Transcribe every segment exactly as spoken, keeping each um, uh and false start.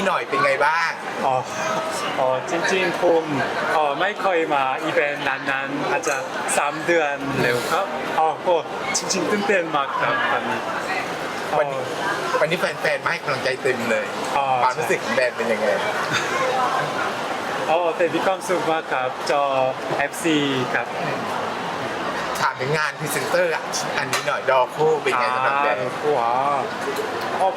หน่อยเป็นไงบ้างอ๋ออ๋อจริงๆผมอ๋อไม่เคยมาอีเวนต์นั้นๆอาจจะสามเดือนเร็วครับอ๋อโอ้จริงๆตื่นเต้นมากครับตอนนี้อ๋อวันนี้วันนี้แฟนๆมาให้กำลังใจเต็มเลยอ๋อความรู้สึกของแบรนด์เป็นยังไงอ๋อแต่มีความสุขมากครับจอ เอฟ ซี ครับถามถึงงานพรีเซนเตอร์อ่ะอันนี้หน่อยดอโคเป็นไงสำหรับแบรนด์ว้าวอ๋อ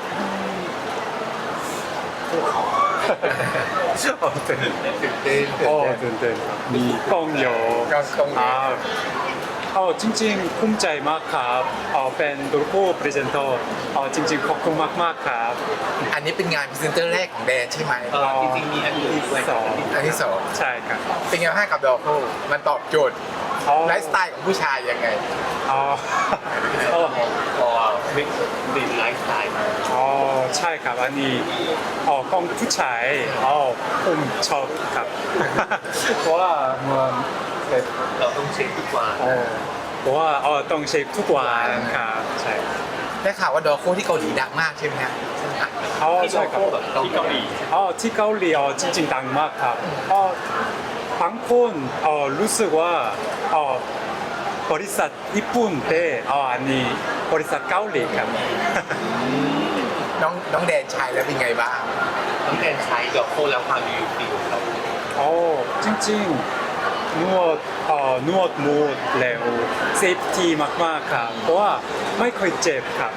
อ๋อตื่นเต้นตื่นเต้นอ๋อตื่นเต้นตื่นเต้นครับมีกล้องโยกล้องกล้องโยอ่าอ๋อจริงๆภูมิใจมากครับอ๋อเป็นตัวผู้พรีเซนเตอร์อ๋อจริงๆขอบคุณมากๆครับอันนี้เป็นงานพรีเซนเตอร์แรกของแบรนด์ใช่ไหมเออจริงๆมีอันอื่นด้วยสองอันที่สองใช่ครับเป็นไงบ้างกับดอโคมันตอบโจทย์อ๋อไลฟ์สไตล์ของผู้ชายยังไงอ๋ออ๋อพอวิกดินไลฟ์สไตล์อ๋อใช่ครับอันนี้อ๋อกล้องผู้ชายอ๋อผมชอบครับ เพราะว่ามันแบบเราต้องเช็คทุกวันอ๋อเพราะว่าอ๋อต้องเช็คทุกวันครับใช่ได้ข่าวว่าดอโคที่เกาหลีดังมากใช่ไหมฮะอ๋อที่ใช่ครับแบบที่เกาหลีอ๋อที่เกาหลีอ๋อจริงๆดังมากครับอ๋อบางคนอ๋อรู้สึกว่าอ๋อบริษัทญี่ปุ่นแต่อ๋ออันนี้บริษัทเกาหลีครับน้องน้องแดนชายแล้วเป็นไงบ้างน้องแทนใช้ดอกโคแล้วความรีวิวดีของเราโอ้จริงๆนวดเอ่อนวดมูดแล้วเซฟตี้มากๆครับเพราะว่าไม่เคยเจ็บครับ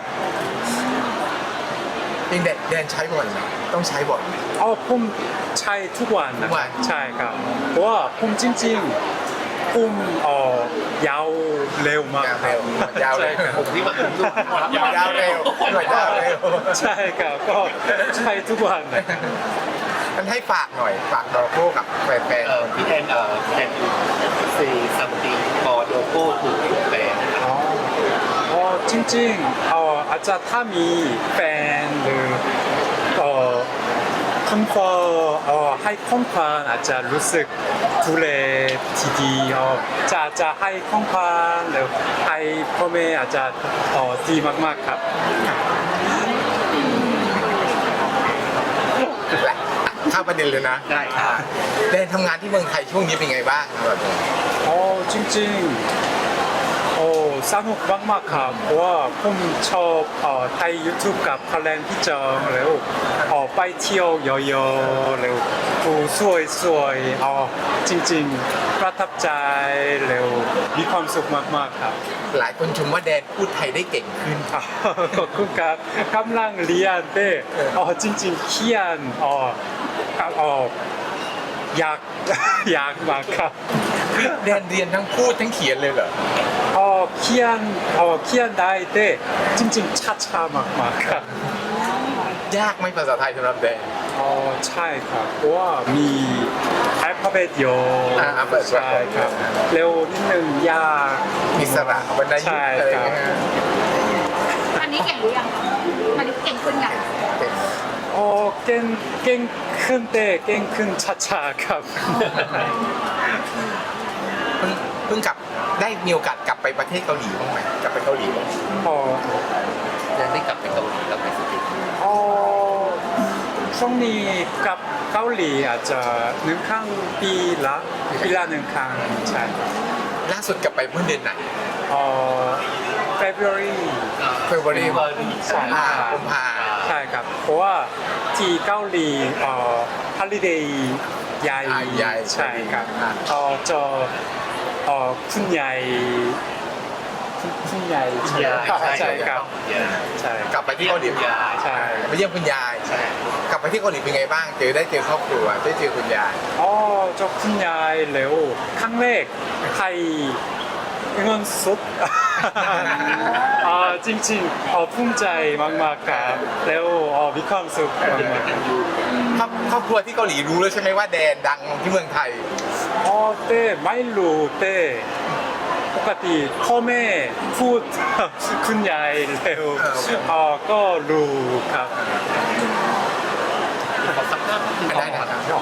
จริงแดนแดนใช้บ่อยไหมต้องใช้บ่อยไหมเอาผมใช้ทุกวันนะทุกวันใช่ครับเพราะว่าผมจริงๆผมเอ่อยาวเร็วมากยาวครัเร็บว ยาวเร็วใช่ครับผมที่มาถึงด้วยยาวเร็วหน่วยยาวเร็วใช่ครับก็ใช้ทุกวันนะครับมันให้ฝากหน่อย ฝากดอโคกับแฟนเอ่อพี่แทนเอ่อแทนซีซัมติงพอโลโก้ถูกแบนอ๋ออ๋อจริงๆเอ่ออาจจะถ้ามีแฟนหรือเอ่อคุณพ่อเอ่อให้ของขวัญอาจจะรู้สึกดูแลที่ดีเอ่อจะจะให้ของขวัญหรือให้พ่อแม่อาจจะเอ่อดีมากๆครับๆและเข้าประเด็นเลยนะได้ค่ะแดนทำงานที่เมืองไทยช่วงนี้เป็นไงบ้างครับอ๋อจริงๆโอ้สนุกมากๆครับเพราะว่าผมชอบเอ่อไทย YouTube กับพลังพี่จองแล้วเอ่อไปเที่ยวเยอะๆแล้วผู้สวยๆเอ่อจริงๆประทับใจแล้วมีความสุขมากๆครับหลายคนชมว่าแดนพูดไทยได้เก่งขึ้นอ่าขอบคุณครับกำลังเรียนแต่เอ๋อจริงๆเขียนอ๋ออ๋อยาก ยากมากครับแดนเรียนทั้งพูดทั้งเขียนเลยเหรออ๋อเขียนอ๋อเขียนได้แต่จริงๆช้าๆมากๆครับยากไหมภาษาไทยสำหรับแดนอ๋อใช่ครับเพราะว่ามีอัลฟาเบตเยอะอ่าอัลฟาเบตใช่ครับเร็วนิดนึงยากมีสระวรรณยุกใช่ต์อะไรครับเงี้ยอันนี้เก่งหรือยังอันนี้เก่งขึ้นยังอ๋อเก่งเก่งขึ้นแต่เก่งขึ้นช้าๆครับเพิ่งเพิ่งกลับได้มีโอกาสกลับไปประเทศเกาหลีบ้างไหมกลับไปเกาหลีบ้างอ๋อแทนได้กลับไปเกาหลีกลับไปสติอ๋อช่วงนี้กับเกาหลีอาจจะหนึ่งครั้งปีละปีละหนึ่งครั้งใช่ล่าสุดกลับไปเมื่อเดือนไหนอ๋อ February เฟบรุรีใช่อ่ากุมภาใช่ครับ เพราะว่าที่เกาหลีเอ่อ holiday ใหญ่อ่าใหญ่ใช่ครับอ่าเอ่อจะเอ่อคุณใหญ่คุณคุณใหญ่ใช่ใช่ครับใช่กลับไปที่เกาหลียายใช่ไปเยี่ยมคุณยายใช่กลับไปที่เกาหลีเป็นไงบ้าง เจอได้เจอครอบครัวได้เจอคุณยายอ๋อเจบคุณยายเร็วครั้งแรกไทยเงินสด อ่าจริงๆอ๋อภูมิใจมากๆครับแล้วอ๋อมีความสุขมากๆครอบครอบครัวที่เกาหลีรู้แล้วใช่ไหมว่าแดนดังที่เมืองไทยอ๋อเต้ไม่รู้เต้ปกติพ่อแม่พูด คุณยายเร็วเอออ๋อก็รู้ครับขอสักภาพหนึ่งได้ได้ครับ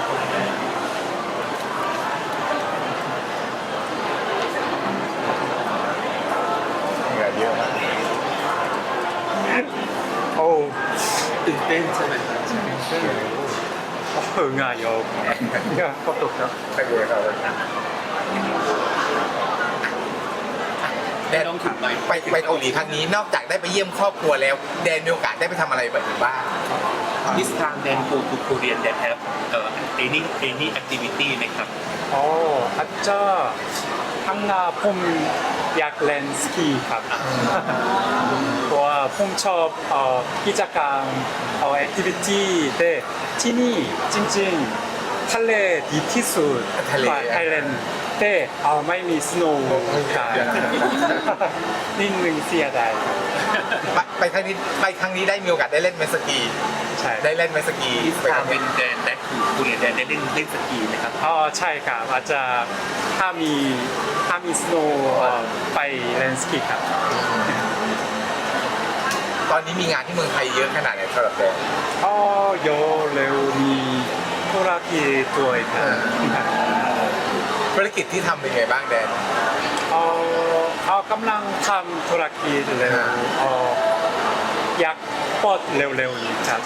เหงื่อเยอะมากโอ้ตื่นเต้นใช่ไหมครับ 어, 응아요. 야, 그것도 없죠. ไปเลยครับแดนต้องถึงไหมไปไปเกาหลีครั้งนี้นอกจากได้ไปเยี่ยมครอบครัวแล้ว แดนมีโอกาสได้ไปทำอะไรแบบนี้บ้าง This time then go to Korea that have uh, any any activity ไหมครับ 어, 아짜 항나 폼 약렌 스키 갑. 와, 폼첩 어, 기자감 어, 액티비티 때 티니 찡찡 탈레 디티수 탈레. 타일랜드 때 아, 마이미 스노우 가. 닌능 시아다이. ไปไปครั้งนี้ไปครั้งนี้ได้มีโอกาสได้เล่นเมสกีใช่ได้เล่นเมสกี This ไปครั้ time งนี้เป็นแดนแดนคือคูเรียแดนได้เล่นเล่นสกีนะครับอ๋อใช่ครับอาจจะถ้ามีถ้ามีสโนว์ไปเลนสกีครับตอนนี้มีงานที่เมืองไทยเยอะขนาดไหนสำหรับแดนอ๋อโยเร็วมีธุรกิจด้วยครับธุรกิจที่ทำเป็นไงบ้างแดนเออเขากำลังทำธุรกิจเร็วเอออยากปลดเร็วๆนี้ครับ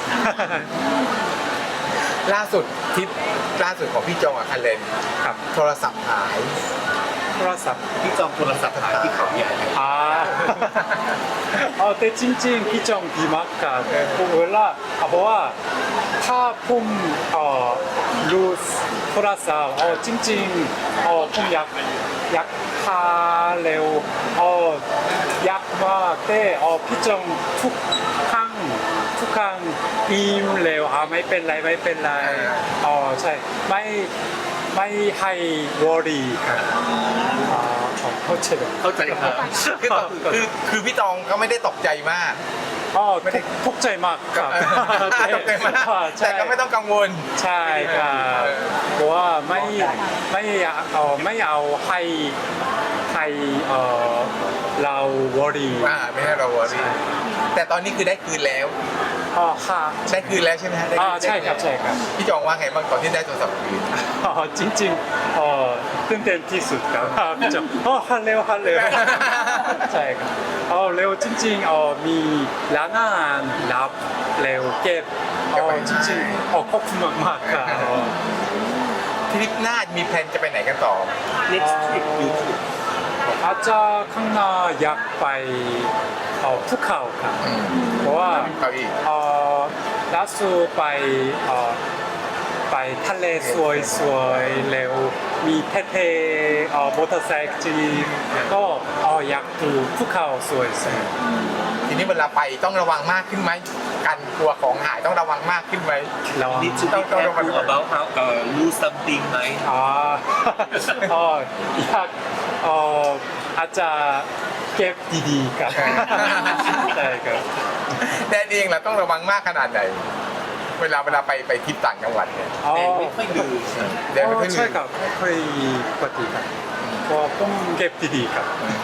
ล่าสุดทริปล่าสุดของพี่จองกับคันเลนครับโทรศัพท์หายโทรศัพท์ที่จองโทรศัพท์หายที่เขาใหญ่อ่าเออแต่จริงๆพี่จองดีมากครับเวลาเอาบอกว่าถ้าผมเอ่อรู้โทรศัพท์เออจริงๆเออผมอยากอยากหาเร็วเอออยากมากแต่เออพี่จองทุกครั้งทุกครั้งอิมเร็วอ่าไม่เป็นไรไม่เป็นไรอ๋อใช่ไม่ไม่ให้วอรี่ครับอ่าเข้าใจไหมเข้าใจครับคือตอนคือคือพี่ตองก็ไม่ได้ตกใจมากอ๋อทุกทุกใจมากครับตกใจมากใช่แต่ก็ไม่ต้องกังวลใช่ครับเพราะว่าไม่ไม่เอาไม่เอาให้ให้เออเราวอรี่อ่าไม่ให้เราวอรี่แต่ตอนนี้คือได้คืนแล้วอ๋อค่ะได้คืนแล้วใช่ไหมฮะได้คืนอ่าใช่ครับใช่ครับพี่จองว่าไงบ้างตอนที่ได้โทรศัพท์คืนอ๋อจริงๆเออตื่นเต้นที่สุดครับพี่จอมอ๋อฮัลโหลฮัลโหลใช่ครับอ๋อเร็วจริงๆอ๋อมีร้านอาหารรับเร็วเก็บอ๋อจริงๆอ๋อขอบคุณมากๆครับอ๋อทริปหน้ามีแพลนจะไปไหนกันต่อ next trip YouTube อาจจะข้างหน้าอยากไปเอ่อภูเขาครับเพราะว่าเขาอีกเอ่อล่าสุดไปเอ่อไปทะเลสวยสวยๆแล้วมีเท่ๆเอ่อมอเตอร์ไซค์จีนก็เอ่ออยากดูภูเขาสวยๆทีนี้เวลาไปต้องระวังมากขึ้นไหมการกลัวของหายต้องระวังมากขึ้นไหมแล้ว need to be careful about how uh, lose something ไหมอ๋อเอ่ออยากเอ่ออาจจะเก็บดีๆครับใช่ครับแดนเองเราต้องระวังมากขนาดไหน เวลาเวลาไปไปทริปต่างจังหวัดเนี่ยอ๋อแดนไม่ค่อยลืมแดนไม่ค่อยอ๋อลืใช่มครับไม่ค่อยปกติครับเพราะว่าผมเก็บดีๆครับ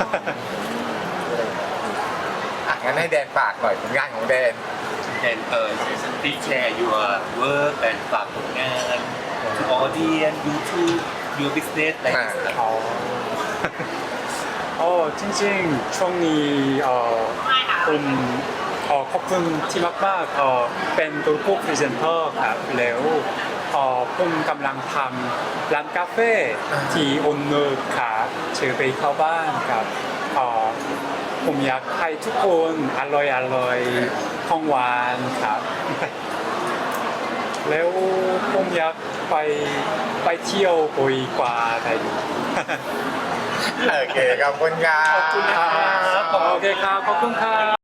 อ่ะงั้นให้แดนฝากหน่อยผลงานของแดน and uh, please share your work and ฝากผลงาน to audience YouTube your business อะไรอย่างเงี้ยครับอ๋ออ๋อจริงๆช่วงนี้เอ่อผมเอ่อขอบคุณที่มากๆเอ่อเป็นตัวผู้พรีเซนเตอร์ครับแล้วเอ่อผมกำลังทำร้านกาแฟที่อนนุครับชื่อไปเข้าบ้านครับเอ่อผมอยากให้ทุกคนอร่อยอร่อยของหวานครับ แล้วผมอยากไปไปเที่ยวบ่อยกว่าไทยโอเคขอบคุณครับขอบคุณครับโอเคครับ ขอบคุณครับ